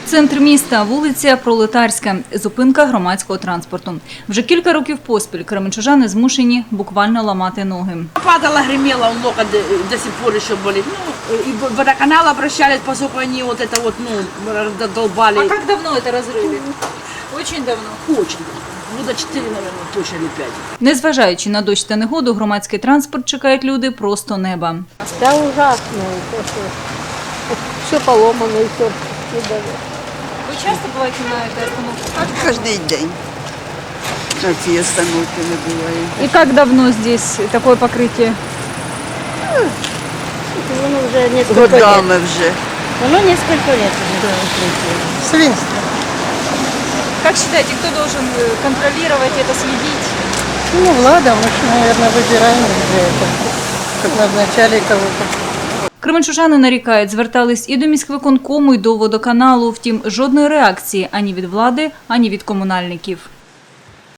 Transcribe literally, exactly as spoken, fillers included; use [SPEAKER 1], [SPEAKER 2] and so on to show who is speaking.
[SPEAKER 1] Центр міста, вулиця Пролетарська, зупинка громадського транспорту. Вже кілька років поспіль кременчужани змушені буквально ламати ноги.
[SPEAKER 2] Падала, гремела, он локоть до сих пор еще болит. Ну, и в водоканал обращались, поскольку они вот это вот, ну, долбали.
[SPEAKER 1] А як давно це розриви? Очень давно.
[SPEAKER 2] Очень. Года четыре, наверное, точно, или пять.
[SPEAKER 1] Незважаючи на дощ та негоду, громадський транспорт чекають люди просто неба.
[SPEAKER 3] Да ужасно. Все поломано и все.
[SPEAKER 1] Ви часто буваєте на цій остановці?
[SPEAKER 4] Каждый день на ці остановки не буває.
[SPEAKER 1] І як давно здесь таке покриття?
[SPEAKER 3] Оно уже несколько лет.
[SPEAKER 4] Годами вже.
[SPEAKER 3] Оно несколько лет уже укрытие. Свинство.
[SPEAKER 1] Как считаете, кто должен контролировать это, следить?
[SPEAKER 3] Ну, влада, мы же, наверное, выбираем для этого. Как назначали кого-то.
[SPEAKER 1] Кременчужани нарікають, звертались і до міськвиконкому, і до водоканалу. Втім, жодної реакції ані від влади, ані від комунальників.